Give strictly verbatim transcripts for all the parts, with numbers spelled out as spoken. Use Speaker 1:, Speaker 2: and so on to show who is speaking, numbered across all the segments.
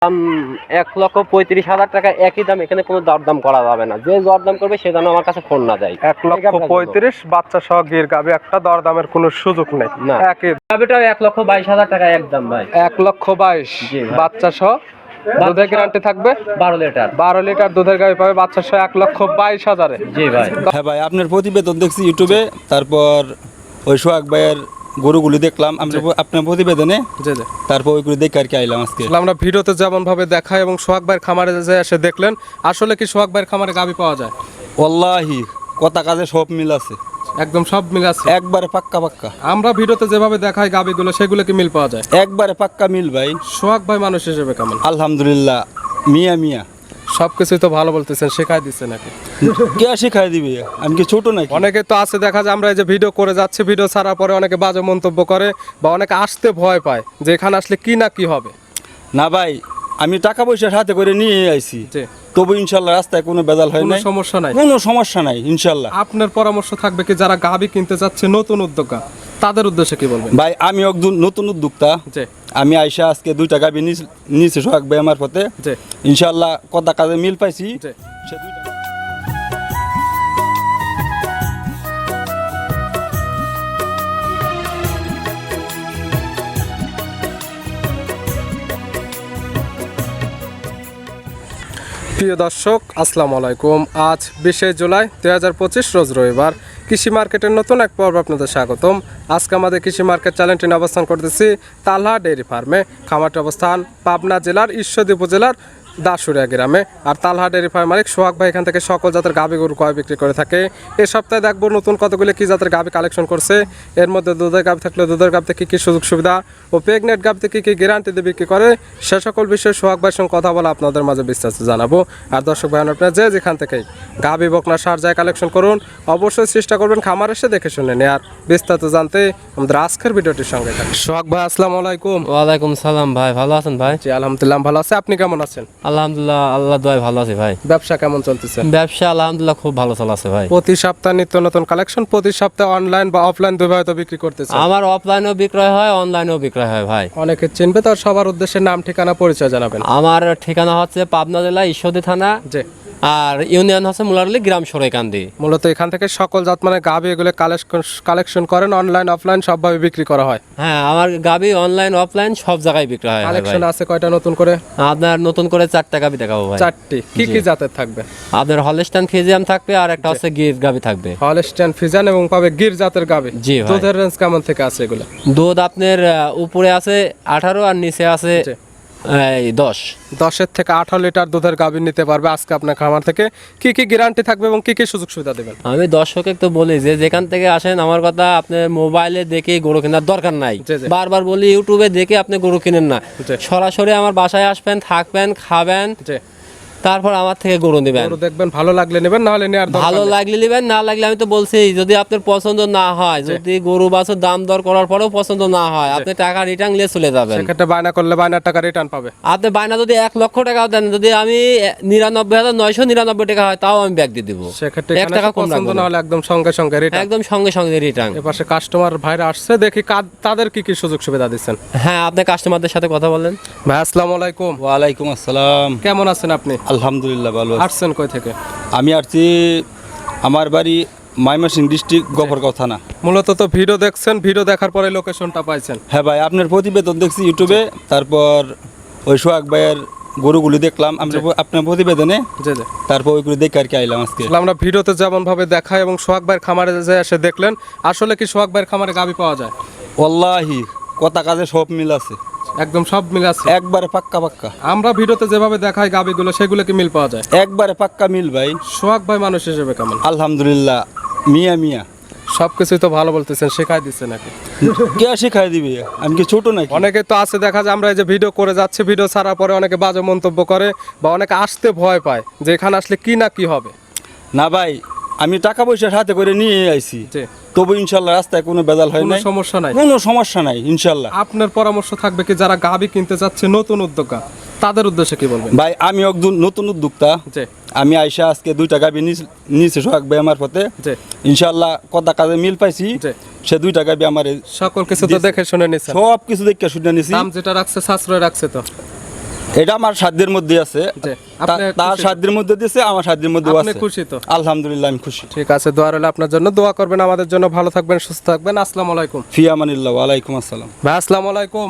Speaker 1: দাম এক লক্ষ পঁয়ত্রিশ হাজার টাকা, একই দাম। এখানে কোনো দরদাম করা যাবে না। যে দরদাম করবে সে যেন আমার কাছে ফোন না যায়।
Speaker 2: এক লক্ষ পঁয়ত্রিশ, বাচ্চা সহ গির গাভী, একটা দরদামের কোনো সুযোগ নেই।
Speaker 1: না, গাভীটা এক লক্ষ বাইশ হাজার টাকা একদম ভাই।
Speaker 2: এক লক্ষ বাইশ, বাচ্চা সহ। দুধের গ্যারান্টি থাকবে
Speaker 1: বারো লিটার।
Speaker 2: বারো লিটার দুধের গাভী পাবে বাচ্চা সহ এক লক্ষ বাইশ হাজারে।
Speaker 1: জি ভাই।
Speaker 3: হ্যাঁ ভাই, আপনার প্রতিবেদন দেখছি ইউটিউবে, তারপর ওই সোহাগ ভাইয়ের গরুগুলি দেখলাম আমরা আপনার প্রতিবেদনে, তারপর ওইগুলি দেখে আর কি আইলাম আজকে।
Speaker 2: আমরা ভিডিওতে যেমন ভাবে দেখাই এবং সোহাগ ভাইয়ের খামারে যে এসে দেখলেন, আসলে কি সোহাগ ভাইয়ের খামারে গাভী পাওয়া যায়?
Speaker 3: ওয়াল্লাহি কথা কাজে সব মিল আছে,
Speaker 2: একদম সব মিল আছে,
Speaker 3: একবারে পাক্কা পাক্কা।
Speaker 2: আমরা ভিডিওতে যেভাবে দেখাই গাভীগুলো, সেগুলো কি মিল পাওয়া যায়?
Speaker 3: একবারে পাক্কা মিল ভাই।
Speaker 2: সোহাগ ভাই মানুষ হিসেবে কেমন?
Speaker 3: আলহামদুলিল্লাহ, মিয়া মিয়া।
Speaker 2: সবকিছুই তো ভালো বলতেছেন, শেখাই দিচ্ছে নাকি?
Speaker 3: কে শিখাই দিবে? আমি কি ছোট নাকি?
Speaker 2: অনেকে তো আছে, দেখা যায় আমরা এই যে ভিডিও করে যাচ্ছি, ভিডিও ছাড়ার পরে অনেকে বাজে মন্তব্য করে বা অনেকে আসতে ভয় পায় যে এখানে আসলে কি না কি হবে।
Speaker 3: না ভাই, আমি টাকা পয়সা হাতে করে নিয়ে আইছি,
Speaker 2: জি।
Speaker 3: তবু ইনশাল্লাহ রাস্তায় কোনো বেজাল হয়
Speaker 2: কোনো
Speaker 3: না,
Speaker 2: সমস্যা নাই,
Speaker 3: কোনো সমস্যা নাই ইনশাল্লাহ।
Speaker 2: আপনার পরামর্শ থাকবে কি যারা গাভী কিনতে যাচ্ছে, নতুন উদ্যোক্তা, তাদের উদ্দেশ্যে কি বলবেন?
Speaker 3: ভাই আমি একজন নতুন উদ্যোক্তা,
Speaker 2: জি।
Speaker 3: আমি আইসা আজকে দুইটা গাভী নিয়েছি সোহাগ ভাই আমার পথে,
Speaker 2: জি।
Speaker 3: ইনশাল্লাহ কথা কাজে মিল পাইছি।
Speaker 2: জি।
Speaker 3: সে দুইটা
Speaker 2: প্রিয় দর্শক, আসসালামু আলাইকুম। আজ বিশে জুলাই দুই হাজার পঁচিশ, রোজ রবিবার। কৃষি মার্কেটের নতুন এক পর্ব আপনাদের স্বাগতম। আজকে আমাদের কৃষি মার্কেট চ্যানেলটি নিয়ে অবস্থান করতেছি তালহা ডেইরি ফার্মে। খামারটি অবস্থান পাবনা জেলার ঈশ্বরদী উপজেলার দাসুরিয়া গ্রামে। আর তালহা ডেইরি ফার্ম মালিক সোহাগ ভাই এখান থেকে সকল জাতের গাভী গরু ক্রয় বিক্রি করে থাকে। এই সপ্তাহে দেখবো নতুন কতগুলি কী জাতের গাভী কালেকশন করছে। এর মধ্যে দুধের গাভী থাকলে দুধের গাভীতে কী কী সুযোগ সুবিধা ও প্রেগনেন্ট গাভীতে কী কী গ্যারান্টি দিয়ে বিক্রি করে, সে সকল বিষয়ে সোহাগ ভাইয়ের সঙ্গে কথা বলে আপনাদের মাঝে বিস্তারিত জানাবো। আর দর্শক ভাই, আপনারা যে যেখান থেকেই গাভী বকনা সার যায় কালেকশন করুন, অবশ্যই চেষ্টা করবেন খামার এসে দেখে শুনে নেয়। আর বিস্তারিত জানতে আমাদের আজকের ভিডিওটির সঙ্গে থাকুন। সোহাগ ভাই, আসসালামু আলাইকুম।
Speaker 1: ওয়ালাইকুম সালাম ভাই, ভালো আছেন ভাই?
Speaker 2: জি আলহামদুলিল্লাহ ভালো আছে, আপনি কেমন আছেন?
Speaker 1: আলহামদুলিল্লাহ, আল্লাহ দোয়ায় ভালো আছি ভাই।
Speaker 2: ব্যবসা কেমন চলতেছে?
Speaker 1: ব্যবসা আলহামদুলিল্লাহ খুব ভালো চলছে ভাই।
Speaker 2: প্রতি সপ্তাহে নিত্য নতুন কালেকশন, প্রতি সপ্তাহে অনলাইন বা অফলাইন দুইভাবে তো বিক্রি করতেছে।
Speaker 1: আমার অফলাইনেও বিক্রয় হয়, অনলাইনেও বিক্রয় হয় ভাই।
Speaker 2: অনেকে চিনবে, তার সবার উদ্দেশ্যে নাম ঠিকানা পরিচয় জানাবেন।
Speaker 1: আমার ঠিকানা হচ্ছে পাবনা জেলা ঈশ্বরদী থানা,
Speaker 2: জি।
Speaker 1: আর ইউনিয়ন হচ্ছে মুলারলি গ্রাম সরাইকান্দি।
Speaker 2: মূলত এখান থেকে সকল জাত মানে গাভী এগুলো কালেকশন করেন, অনলাইন অফলাইন সবভাবে বিক্রি করা হয়।
Speaker 1: হ্যাঁ, আমার গাভী অনলাইন অফলাইন সব জায়গায় বিক্রি হয় ভাই।
Speaker 2: কালেকশন আছে কয়টা নতুন করে?
Speaker 1: আপনার নতুন করে চারটা গাভী দেখাবো ভাই।
Speaker 2: চারটি। কি কি জাতের থাকবে?
Speaker 1: আপনার হলস্টাইন ফ্রিজিয়ান থাকবে, আর একটা হচ্ছে গির গাভী থাকবে।
Speaker 2: হলস্টাইন ফ্রিজিয়ান এবং পাবে গির জাতের গাভী।
Speaker 1: জি ভাই।
Speaker 2: দুধের রেঞ্জ কেমন থেকে আছে এগুলো?
Speaker 1: দুধ আপনার আহ, উপরে আছে আঠারো আর নিচে আছে এই দশ।
Speaker 2: দশের থেকে আঠারো লিটার দুধের গাভী নিতে পারবে আজকে আপনার খামার থেকে। কি কি গ্যারান্টি থাকবে এবং কি কি সুযোগ সুবিধা দেবেন?
Speaker 1: আমি দর্শকে তো বলি যে যেখান থেকে আসেন, আমার কথা আপনি মোবাইলে দেখে গরু কেনার দরকার নাই।
Speaker 2: জি, জি।
Speaker 1: বারবার বলি ইউটিউবে দেখে আপনি গরু কিনেন না,
Speaker 2: জি।
Speaker 1: সরাসরি আমার বাসায় আসবেন, থাকবেন, খাবেন,
Speaker 2: জি।
Speaker 1: তারপর আমার থেকে গরু নেবেন।
Speaker 2: গরু দেখবেন, ভালো লাগলে নেবেন, না হলে নেওয়ার দরকার
Speaker 1: ভালো
Speaker 2: নেই।
Speaker 1: লাগলে নেবেন, না লাগলে আমি তো বলছি যদি আপনার পছন্দ না হয়, যদি গরু বাছুর দাম দর করার পরেও পছন্দ না হয়, আপনি টাকা রিটার্ন নিয়ে চলে যাবেন।
Speaker 2: সেক্ষেত্রে বায়না করলে বায়নার টাকা রিটার্ন পাবে।
Speaker 1: আপনি বায়না যদি এক লক্ষ টাকাও দেন, যদি আমি নিরানব্বই হাজার নয়শো নিরানব্বই টাকা হয়, তাও আমি ব্যাগ দিয়ে দিব।
Speaker 2: সেক্ষেত্রে
Speaker 1: এক টাকা কম
Speaker 2: পছন্দ
Speaker 1: রাখবো
Speaker 2: না
Speaker 1: না।
Speaker 2: হলে একদম সঙ্গে সঙ্গে রিটার্ন।
Speaker 1: একদম সঙ্গে সঙ্গে রিটার্ন।
Speaker 2: এপাশে কাস্টমার ভাইরা আসছে, দেখি কাদ- তাদের কি কি সুযোগ সুবিধা দিচ্ছেন।
Speaker 1: হ্যাঁ, আপনি কাস্টমারদের সাথে কথা বলেন।
Speaker 2: ভাই আসসালামু আলাইকুম।
Speaker 3: ওয়ালাইকুম আসসালাম।
Speaker 2: কেমন আছেন আপনি?
Speaker 3: আলহামদুলিল্লাহ ভালো আছি।
Speaker 2: আসছেন কই থেকে?
Speaker 3: আমি আসছি, আমার বাড়ি ময়মনসিংহ ডিস্ট্রিক্ট গফরগাঁও থানা।
Speaker 2: মূলত তো ভিডিও দেখছেন, ভিডিও দেখার পরে লোকেশনটা পাইছেন।
Speaker 3: হ্যাঁ ভাই, আপনার প্রতিবেদন দেখছি ইউটিউবে, তারপর ওই সোহাগ ভাইয়ের গরুগুলি দেখলাম আমরা আপনার প্রতিবেদনে,
Speaker 2: জি জি।
Speaker 3: তারপর ওইগুলি দেখে আর কি আইলাম আজকে।
Speaker 2: আসলে আমরা ভিডিওতে যেমন ভাবে দেখাই এবং সোহাগ ভাইয়ের খামারে যে এসে দেখলেন, আসলে কি সোহাগ ভাইয়ের খামারে গাভী পাওয়া যায়?
Speaker 3: ওয়াল্লাহি কথা কাজে সব মিল আছে,
Speaker 2: একদম সব মিল আছে,
Speaker 3: একবারে পাক্কা পাক্কা।
Speaker 2: আমরা ভিডিওতে যেভাবে দেখাই গাভীগুলো, সেগুলো কি মিল পাওয়া যায়?
Speaker 3: একবারে পাক্কা মিল ভাই।
Speaker 2: সোহাগ ভাই মানুষ হিসেবে কেমন?
Speaker 3: আলহামদুলিল্লাহ, মিয়া মিয়া।
Speaker 2: সবকিছুই তো ভালো বলতেছেন, শেখাই দিচ্ছে নাকি?
Speaker 3: কে শিখাই দিবে? আমি কি ছোট নাকি?
Speaker 2: অনেকে তো আছে, দেখা যায় আমরা এই যে ভিডিও করে যাচ্ছি, ভিডিও ছাড়ার পরে অনেকে বাজে মন্তব্য করে বা অনেকে আসতে ভয় পায় যে এখানে আসলে কি না কি হবে।
Speaker 3: না ভাই, আমি টাকা পয়সা হাতে করে নিয়ে আইছি,
Speaker 2: জি।
Speaker 3: তবু ইনশাল্লাহ রাস্তায় কোনো বেজাল হয়
Speaker 2: কোনো
Speaker 3: না,
Speaker 2: সমস্যা নাই,
Speaker 3: কোনো সমস্যা নাই ইনশাল্লাহ।
Speaker 2: আপনার পরামর্শ থাকবে কি যারা গাভী কিনতে যাচ্ছে, নতুন উদ্যোক্তা, তাদের উদ্দেশ্যে কি বলবেন?
Speaker 3: ভাই আমি একজন নতুন উদ্যোক্তা,
Speaker 2: জি।
Speaker 3: আমি আইসা আজকে দুইটা গাভী নিয়েছি সোহাগ ভাই আমার পথে,
Speaker 2: জি।
Speaker 3: ইনশাল্লাহ কথা কাজে মিল পাইছি।
Speaker 2: জি।
Speaker 3: সে দুইটা গাভী আমার
Speaker 2: সকল কিছু তো দেখে শুনে নিচ্ছেন,
Speaker 3: সব কিছু দেখে শুনে নিছি।
Speaker 2: দাম যেটা রাখছে সাশ্রয় রাখছে তো?
Speaker 3: এটা আমার সাধ্যের মধ্যে আছে,
Speaker 2: জি,
Speaker 3: তা-
Speaker 2: আপনি
Speaker 3: তার
Speaker 2: খুশি?
Speaker 3: সাধ্যের মধ্যে দিছে, আমার সাধ্যের মধ্যে
Speaker 2: আপনি
Speaker 3: আছে।
Speaker 2: খুশি তো?
Speaker 3: আলহামদুলিল্লাহ আমি খুশি।
Speaker 2: ঠিক আছে, দোয়া রইল আপনার জন্য, দোয়া করবেন আমাদের জন্য, ভালো থাকবেন, সুস্থ থাকবেন। আসসালামু আলাইকুম।
Speaker 3: ফি আমানিল্লাহ, ওয়ালাইকুম আসসালাম।
Speaker 2: ভাই আসসালামু আলাইকুম।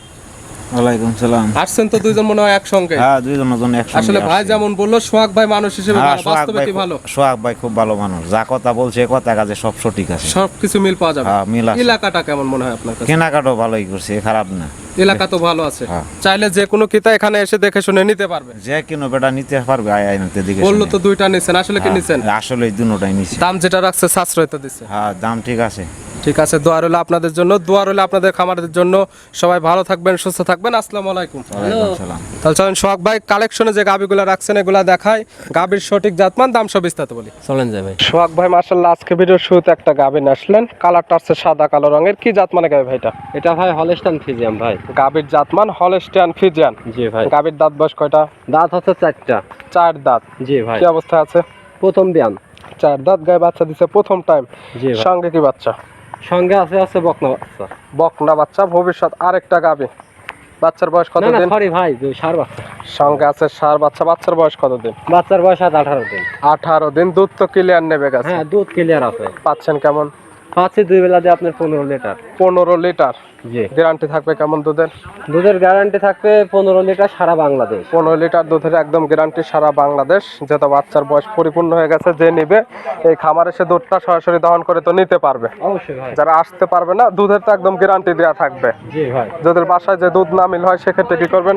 Speaker 4: ওয়ালাইকুম সালাম।
Speaker 2: আসছেন তো দুইজন মনে হয় একসঙ্গে?
Speaker 4: হ্যাঁ, দুইজনের জন্য একসঙ্গে
Speaker 2: আসলে ভাই
Speaker 4: আসছি।
Speaker 2: যেমন বললো, সোহাগ ভাই মানুষ হিসেবে
Speaker 4: হ্যাঁ,
Speaker 2: ভালো,
Speaker 4: সোহাগ
Speaker 2: বাস্তবে
Speaker 4: ভাই
Speaker 2: কি
Speaker 4: খুব-
Speaker 2: ভালো?
Speaker 4: সোহাগ ভাই খুব ভালো মানুষ, যা কথা বলছে কথা কাজে সব সঠিক আছে।
Speaker 2: সবকিছু মিল পাওয়া যাবে।
Speaker 4: হ্যাঁ, মিল আছে।
Speaker 2: এলাকাটা কেমন মনে হয় আপনার কাছে?
Speaker 4: কেনাকাটাও ভালোই করছে, খারাপ না।
Speaker 2: এলাকা তো ভালো আছে,
Speaker 4: হ্যাঁ।
Speaker 2: চাইলে যে কোনো কিতা এখানে এসে দেখে শুনে নিতে পারবে।
Speaker 4: যে কিনো বেটা নিতে পারবে, আয় আয় নিতে দিকে
Speaker 2: বললো তো দুইটা নিছেন, আসলে কি নিছেন?
Speaker 4: আসলে দুটাই নিচ্ছে।
Speaker 2: দাম যেটা রাখছে সাশ্রয় তো দিচ্ছে।
Speaker 4: হ্যাঁ, দাম ঠিক আছে।
Speaker 2: ঠিক আছে, দোয়া রইল আপনাদের জন্য, দোয়া রইল আপনাদের খামারদের জন্য। সবাই ভালো থাকবেন, সুস্থ থাকবেন। আসসালামু আলাইকুম।
Speaker 4: ওয়ালাইকুম সালাম।
Speaker 2: তাহলে চলেন সোহাগ ভাই কালেকশনে যে গাবিগুলো রাখছেন এগুলা দেখায়, গাবির সঠিক জাতমান, দাম সব বিস্তারিত বলি।
Speaker 1: চলেন যাই ভাই।
Speaker 2: সোহাগ ভাই মাশাআল্লাহ আজকে ভিডিওর শুরুতে একটা গাবি নিয়ে আসলেন, কালারটা আছে সাদা কালো রঙের, কি জাত মানে গাবি ভাইটা?
Speaker 1: এটা ভাই হলস্টাইন ফ্রিজিয়ান ভাই।
Speaker 2: গাবির জাতমান হলস্টিয়ান ফ্রিজিয়ান।
Speaker 1: জি ভাই।
Speaker 2: গাবির দাঁত বয়স কয়টা?
Speaker 1: দাঁত হচ্ছে চারটা।
Speaker 2: চার দাঁত।
Speaker 1: জি ভাই।
Speaker 2: কি অবস্থায় আছে?
Speaker 1: প্রথম বিয়ান।
Speaker 2: চার দাঁত, গায়ে বাচ্চা দিছে প্রথম টাইম।
Speaker 1: জি ভাই।
Speaker 2: সঙ্গে কি বাচ্চা?
Speaker 1: সঙ্গে আছে আছে বকনা বাচ্চা।
Speaker 2: বকনা বাচ্চা, ভবিষ্যৎ আরেকটা গাবি। বাচ্চার বয়স কত
Speaker 1: না না
Speaker 2: দিন?
Speaker 1: সরি ভাই, দুই সার বাচ্চা।
Speaker 2: সঙ্গে আছে সার বাচ্চা, বাচ্চার বয়স কত দিন?
Speaker 1: বাচ্চার বয়স আজ আঠারো দিন।
Speaker 2: আঠারো দিন। দুধ তো ক্লিয়ার নেবে গেছে।
Speaker 1: হ্যাঁ, দুধ ক্লিয়ার আছে।
Speaker 2: পাচ্ছেন কেমন?
Speaker 1: পাচ্ছি দুই বেলা দিয়ে আপনার পনেরো লিটার।
Speaker 2: পনেরো লিটার।
Speaker 1: জি।
Speaker 2: গ্যারান্টি থাকবে কেমন দুধের?
Speaker 1: দুধের গ্যারান্টি থাকবে পনেরো লিটার সারা বাংলাদেশ।
Speaker 2: পনেরো লিটার দুধের একদম গ্যারান্টি সারা বাংলাদেশ। যেহেতু বাচ্চার বয়স পরিপূর্ণ হয়ে গেছে, যে নিবে এই খামার এসে দুধটা সরাসরি দহন করে তো নিতে পারবে।
Speaker 1: অবশ্যই ভাই।
Speaker 2: যারা আসতে পারবে না, দুধের তো একদম গ্যারান্টি দেওয়া থাকবে।
Speaker 1: জি ভাই।
Speaker 2: যাদের বাসায় যে দুধ না মিল হয় সেক্ষেত্রে কি করবেন?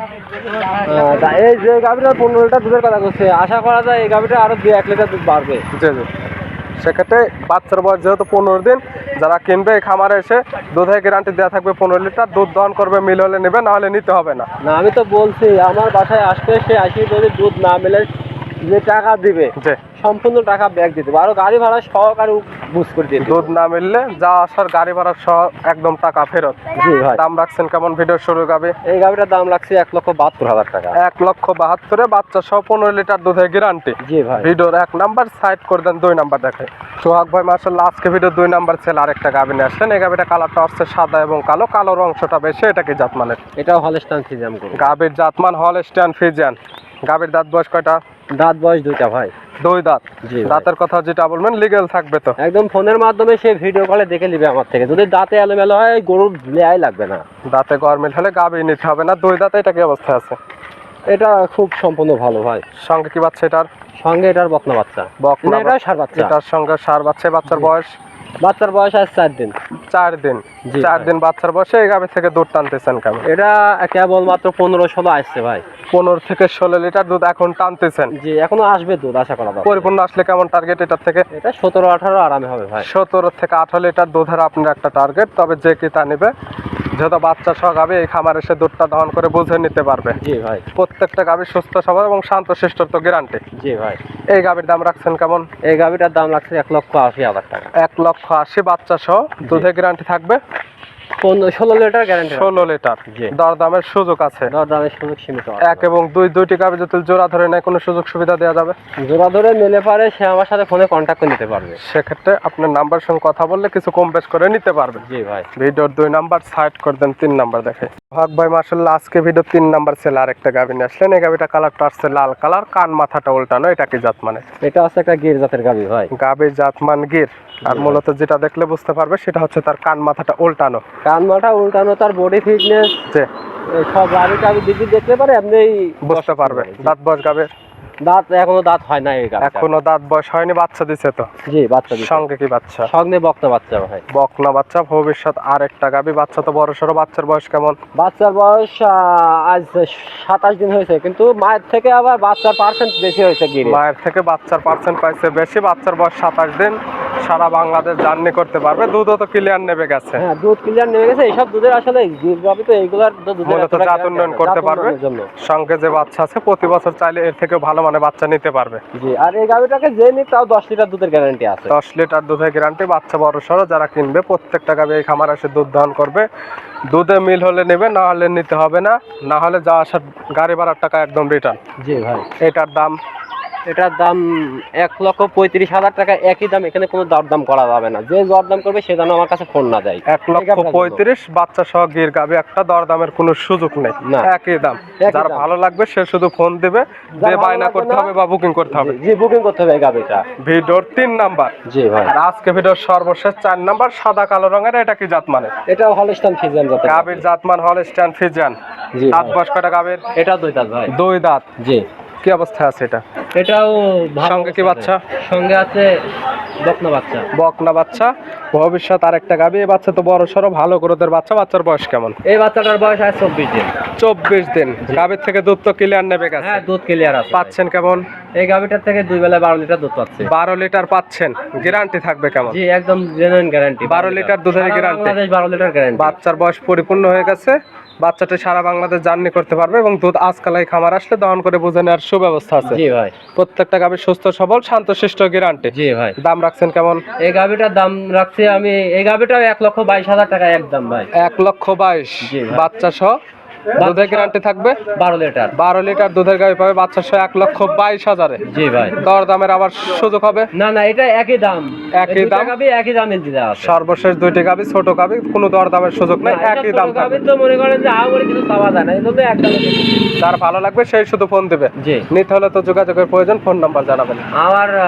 Speaker 1: আহ, তা এই যে গাভিটার পনেরো লিটার দুধের কথা করছে, আশা করা যায় এই গাভিটা আরো দুই এক লিটার দুধ বাড়বে।
Speaker 2: জি জি। সেক্ষেত্রে বাচ্চার বয়স যেহেতু পনেরো দিন, যারা কিনবে এই খামারে এসে দুধের গ্যারান্টি দেওয়া থাকবে পনেরো লিটার। দুধ দহন করবে, মিল হলে নেবে, না হলে নিতে হবে না।
Speaker 1: না আমি তো বলছি আমার বাসায় আসবে, সে আসি যদি দুধ না মেলে যে টাকা দিবে
Speaker 2: জি।
Speaker 1: সম্পূর্ণ টাকা ব্যাক দিতে হবে, আরো গাড়ি ভাড়া সহকারে বুঝ করে দিয়ে দিবে।
Speaker 2: দুধ না মিললে যা আসার গাড়ি ভাড়া সহ একদম টাকা ফেরত।
Speaker 1: জি ভাই।
Speaker 2: দাম রাখছেন কেমন ভিডিও শুরু গাবে?
Speaker 1: এই গাভিটার দাম লাগছে এক লক্ষ বাহাত্তর হাজার টাকা।
Speaker 2: এক লক্ষ বাহাত্তরে বাচ্চা সহ পনেরো লিটার দুধের গ্যারান্টি।
Speaker 1: জি ভাই।
Speaker 2: ভিডিওর এক নাম্বার সাইড করে দেন, দুই নাম্বার দেখে সোহাগ ভাই মার্শাল্লাহ আজকে ভিডিও দুই নাম্বার ছেলে আরেকটা গাভি নিয়ে আসছেন। এই গাভিটা কালারটা হচ্ছে সাদা এবং কালো, কালোর অংশটা বেশি। এটা কি জাতমানের?
Speaker 1: এটাও হলস্টাইন ফ্রিজিয়ান গরু।
Speaker 2: গাভির জাতমান হলস্টিয়ান ফ্রিজিয়ান। গাভির দাঁত বয়স কয়টা?
Speaker 1: দাঁত বয়স দুইটা ভাই।
Speaker 2: দুই দাঁত।
Speaker 1: জি ভাই।
Speaker 2: দাঁতের কথা যেটা বলবেন লিগেল থাকবে তো?
Speaker 1: একদম ফোনের মাধ্যমে সে ভিডিও কলে দেখে নিবে আমার থেকে। যদি দাঁতে এলোমেলো হয় গরুর লেয়াই লাগবে না।
Speaker 2: দাঁতে গরমিল হলে গাভি নিতে হবে না। দুই দাঁতে। এটা কি অবস্থায় আছে?
Speaker 1: এটা খুব সম্পূর্ণ ভালো ভাই।
Speaker 2: সঙ্গে কি বাচ্চা এটার?
Speaker 1: সঙ্গে এটার বকনা বাচ্চা।
Speaker 2: বকনা
Speaker 1: না, এটাও ষাঁড় বাচ্চা।
Speaker 2: এটার সঙ্গে সার বাচ্চা। বাচ্চার বয়স?
Speaker 1: বাচ্চার বয়স আজ চার দিন।
Speaker 2: চার দিন।
Speaker 1: জি
Speaker 2: চার
Speaker 1: ভাই।
Speaker 2: দিন বাচ্চার বয়সে এই গাভি থেকে দুধ টানতেছেন কেমন?
Speaker 1: এটা কেবল মাত্র পনেরো ষোলো আসছে ভাই।
Speaker 2: পনেরো থেকে ষোলো লিটার দুধ এখন টানতেছেন।
Speaker 1: জি, এখনো আসবে দুধ আশা করা যায়।
Speaker 2: পরিপূর্ণ আসলে কেমন টার্গেট এটার থেকে?
Speaker 1: এটা সতেরো আঠারো আরামে হবে ভাই।
Speaker 2: সতেরো থেকে আঠারো লিটার দুধের আপনার একটা টার্গেট। তবে যে কি তা নিবে, যেহেতু বাচ্চা সহ গাভি এই খামার এসে দুধটা দহন করে বুঝে নিতে পারবে।
Speaker 1: জি ভাই।
Speaker 2: প্রত্যেকটা গাভি সুস্থ সবল এবং শান্ত শিষ্ট তো গ্যারান্টি।
Speaker 1: জি ভাই।
Speaker 2: এই গাভির দাম রাখছেন কেমন?
Speaker 1: এই গাভিটার দাম লাগছে এক লক্ষ আশি হাজার টাকা।
Speaker 2: এক লক্ষ আশি। বাচ্চা সহ দুধের গ্যারান্টি থাকবে
Speaker 1: পনেরো ষোলো লিটার গ্যারান্টি।
Speaker 2: ষোলো লিটার।
Speaker 1: জি।
Speaker 2: দরদামের সুযোগ আছে?
Speaker 1: দর দামের সুযোগ সীমিত আছে।
Speaker 2: এক এবং দুই দুইটি গাভি যদি জোড়া ধরে নেয় কোনো সুযোগ সুবিধা দেওয়া যাবে?
Speaker 1: জোড়া ধরে নিলে পারে সে আমার সাথে ফোনে কন্ট্যাক্ট করে নিতে পারবে।
Speaker 2: সেক্ষেত্রে আপনার নাম্বার সঙ্গে কথা বললে কিছু কম বেশ করে নিতে পারবে।
Speaker 1: জি ভাই।
Speaker 2: ভিডিওর দুই নাম্বার সাইড করে দেন, তিন নাম্বার দেখে ভাগ ভাই মার্শাল্লাহ আজকে ভিডিও তিন নাম্বার ছেলে আরেকটা গাভি নিয়ে আসলেন। এই গাভিটা কালারটা আসছে লাল কালার, কান মাথাটা উল্টানো। এটা কি জাত মানে?
Speaker 1: এটা আছে একটা গির জাতের গাভি ভাই।
Speaker 2: গাভির জাতমান গির। আর মূলত যেটা দেখলে বুঝতে পারবে সেটা হচ্ছে তার কান মাথাটা উল্টানো।
Speaker 1: কান মাথা উল্টানো, তার বডি ফিটনেস
Speaker 2: যে
Speaker 1: সব গাভি টাভি দিদি দেখতে পারে আপনি
Speaker 2: বুঝতে পারবে। দাঁত বয়স গাভির?
Speaker 1: দাঁত এখনো দাঁত হয় না এই গাভি।
Speaker 2: এখনো দাঁত বয়স হয়নি, বাচ্চা দিছে তো?
Speaker 1: জি, বাচ্চা দিছে।
Speaker 2: সঙ্গে কি বাচ্চা?
Speaker 1: সঙ্গে বকনা বাচ্চা ভাই।
Speaker 2: বকনা বাচ্চা, ভবিষ্যৎ আরেকটা গাভি। বাচ্চা তো বড় সড়ো। বাচ্চার বয়স কেমন?
Speaker 1: বাচ্চার বয়স আহ, আজ সাতাশ দিন হয়েছে, কিন্তু মায়ের থেকে আবার বাচ্চার পার্সেন্ট বেশি হয়েছে গিরে।
Speaker 2: মায়ের থেকে বাচ্চার পার্সেন্ট পাইছে বেশি। বাচ্চার বয়স সাতাশ দিন। সারা বাংলাদেশ জার্নি করতে পারবে। দুধও তো ক্লিয়ার নেবে গেছে।
Speaker 1: হ্যাঁ, দুধ ক্লিয়ার নেমে গেছে। এইসব দুধের আসলে গির গাভি তো এইগুলার তো দুধের
Speaker 2: মূলত
Speaker 1: এতটা
Speaker 2: জাত
Speaker 1: guarantee
Speaker 2: উন্নয়ন
Speaker 1: আছে না।
Speaker 2: করতে
Speaker 1: জাত
Speaker 2: পারবে।
Speaker 1: উন্নয়নের জন্য।
Speaker 2: সঙ্গে যে বাচ্চা আছে প্রতি বছর চাইলে এর থেকে ভালো মানে বাচ্চা নিতে পারবে।
Speaker 1: জি, আর এই গাভিটাকে যে নিক তাও দশ লিটার দুধের গ্যারান্টি আছে।
Speaker 2: দশ লিটার দুধের গ্যারান্টি। বাচ্চা বড় সড়ো। যারা কিনবে প্রত্যেকটা গাভি এই খামার এসে দুধ দহন করবে। দুধে মিল হলে নেবে, না হলে নিতে হবে না। না হলে যা আসার গাড়ি ভাড়ার টাকা একদম রিটার্ন।
Speaker 1: জি ভাই।
Speaker 2: এটার দাম?
Speaker 1: এটার দাম এক লক্ষ পঁয়ত্রিশ হাজার টাকা, একই দাম, এখানে কোনো দরদাম করা যাবে না। যে দরদাম করবে সে যেন আমার কাছে ফোন না দেয়।
Speaker 2: এক লক্ষ পঁয়ত্রিশ, বাচ্চা সহ গির গাবি, একটা দরদামের কোনো সুযোগ নেই,
Speaker 1: না।
Speaker 2: একই দাম।
Speaker 1: একই
Speaker 2: যার
Speaker 1: দাম।
Speaker 2: ভালো লাগবে সে শুধু ফোন দিবে,
Speaker 1: যার
Speaker 2: যে
Speaker 1: ভালো
Speaker 2: বায়না
Speaker 1: লাগবে
Speaker 2: করতে
Speaker 1: না,
Speaker 2: হবে বা বুকিং করতে হবে।
Speaker 1: জি বুকিং করতে হবে এই গাবিটা।
Speaker 2: ভিডিওর তিন নাম্বার।
Speaker 1: জি ভাই।
Speaker 2: আর আজকে ভিডিওর সর্বশেষ চার নাম্বার, সাদা কালো রঙের, এটা কি জাত মানে?
Speaker 1: এটাও হলস্টাইন ফ্রিজিয়ান জাতের
Speaker 2: গাবির জাতমান হলস্টাইন ফ্রিজিয়ান।
Speaker 1: জি
Speaker 2: দাঁত
Speaker 1: ভাই।
Speaker 2: বয়স কয়টা গাবির?
Speaker 1: এটা দুই দাঁত ভাই।
Speaker 2: দুই দাঁত।
Speaker 1: জি।
Speaker 2: কি অবস্থায় আছে এটা?
Speaker 1: এটাও ভালো
Speaker 2: সঙ্গে কি বাচ্চা?
Speaker 1: সঙ্গে আছে বকনা বাচ্চা।
Speaker 2: বকনা বাচ্চা। ভবিষ্যৎ আর একটা গাবি। এই বাচ্চা তো বড় সড়ো ভালো গ্রোথের বাচ্চা। বাচ্চার বয়স কেমন?
Speaker 1: এই বাচ্চাটার বয়স আছে চব্বিশ দিন।
Speaker 2: চব্বিশ দিন। গাবির থেকে দুধ তো ক্লিয়ার নেবে গেছে।
Speaker 1: হ্যাঁ দুধ ক্লিয়ার আছে।
Speaker 2: পাচ্ছেন কেমন?
Speaker 1: এই গাবিটার থেকে দুই বেলা বারো লিটার দুধ পাচ্ছে।
Speaker 2: বারো লিটার পাচ্ছেন। গ্যারান্টি থাকবে কেমন?
Speaker 1: জি একদম জেনুইন গ্যারান্টি।
Speaker 2: বারো লিটার দুধের গ্যারান্টি।
Speaker 1: বাংলাদেশ বারো লিটার গ্যারান্টি।
Speaker 2: বাচ্চার বয়স পরিপূর্ণ হয়ে গেছে। বাচ্চাটা সারা বাংলাদেশ জার্নি করতে পারবে এবং দুধ আজকালাই খামার আসলে দহন করে বুঝে নেওয়ার সুব্যবস্থা আছে।
Speaker 1: জি ভাই।
Speaker 2: প্রত্যেকটা গাভী সুস্থ সবল শান্তশিষ্ট গ্যারান্টি।
Speaker 1: জি ভাই।
Speaker 2: দাম রাখছেন কেমন?
Speaker 1: এই গাবিটার দাম রাখছি আমি, এই গাবিটাও এক লক্ষ বাইশ হাজার টাকা একদম ভাই।
Speaker 2: এক লক্ষ বাইশ।
Speaker 1: জি ভাই।
Speaker 2: বাচ্চা সহ দুধের গ্যারান্টি থাকবে
Speaker 1: বারো লিটার।
Speaker 2: বারো লিটার দুধের গাভী পাবে বাচ্চা সহ এক লক্ষ বাইশ হাজারে।
Speaker 1: জি ভাই।
Speaker 2: দর দামের আবার সুযোগ হবে?
Speaker 1: না না এটা একই দাম।
Speaker 2: একই
Speaker 1: এই দুইটা
Speaker 2: দাম?
Speaker 1: গাবি একই দামে দিতে আছে।
Speaker 2: সর্বশেষ দুইটি গাভী ছোট গাভী, কোনো দর দামের সুযোগ নেই,
Speaker 1: না, এটা
Speaker 2: একই
Speaker 1: ছোট
Speaker 2: দাম
Speaker 1: গাবি
Speaker 2: থাকবে।
Speaker 1: তো মনে করেন যে আহামরি কিছু পাওয়া যায় না, এই জন্য এক দামে দিচ্ছি।
Speaker 2: যার ভালো লাগবে সেই শুধু ফোন দিবে।
Speaker 1: জি।
Speaker 2: নিতে হলে তো যোগাযোগের প্রয়োজন, ফোন নাম্বার জানাবেন।
Speaker 1: আমার আহ,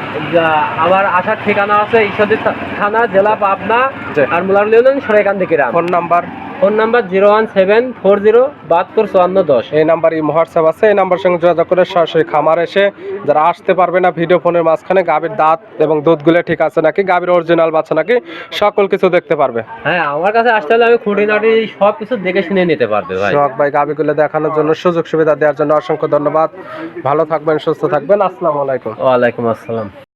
Speaker 1: যা- আমার আসার ঠিকানা আছে ঈশ্বরদী থা- থানা, জেলা পাবনা,
Speaker 2: জি।
Speaker 1: আর মুলার ইউনিয়ন সরাইকান্দি গ্রাম।
Speaker 2: Phone number?
Speaker 1: Phone number zero one seven four zero বাহাত্তর চুয়ান্ন দশ।
Speaker 2: এই নাম্বার এই হোয়াটসঅ্যাপ আছে, এই নাম্বার সঙ্গে যোগাযোগ করে সরাসরি খামার এসে যারা আসতে পারবে না, ভিডিও ফোনের মাঝখানে গাভীর দাঁত এবং দুধগুলো ঠিক আছে নাকি, গাভীর অরিজিনাল বাচ্চা নাকি, সকল কিছু দেখতে পারবে।
Speaker 1: হ্যাঁ আমার কাছে আসতে হলে আমি খুঁটিনাটি সব কিছু দেখে শুনে নিতে পারবে ভাই।
Speaker 2: সোহাগ ভাই গাভীগুলো দেখানোর জন্য, সুযোগ সুবিধা দেওয়ার জন্য অসংখ্য ধন্যবাদ। ভালো থাকবেন, সুস্থ থাকবেন। আসসালামু আলাইকুম।
Speaker 1: ওয়ালাইকুম আসসালাম।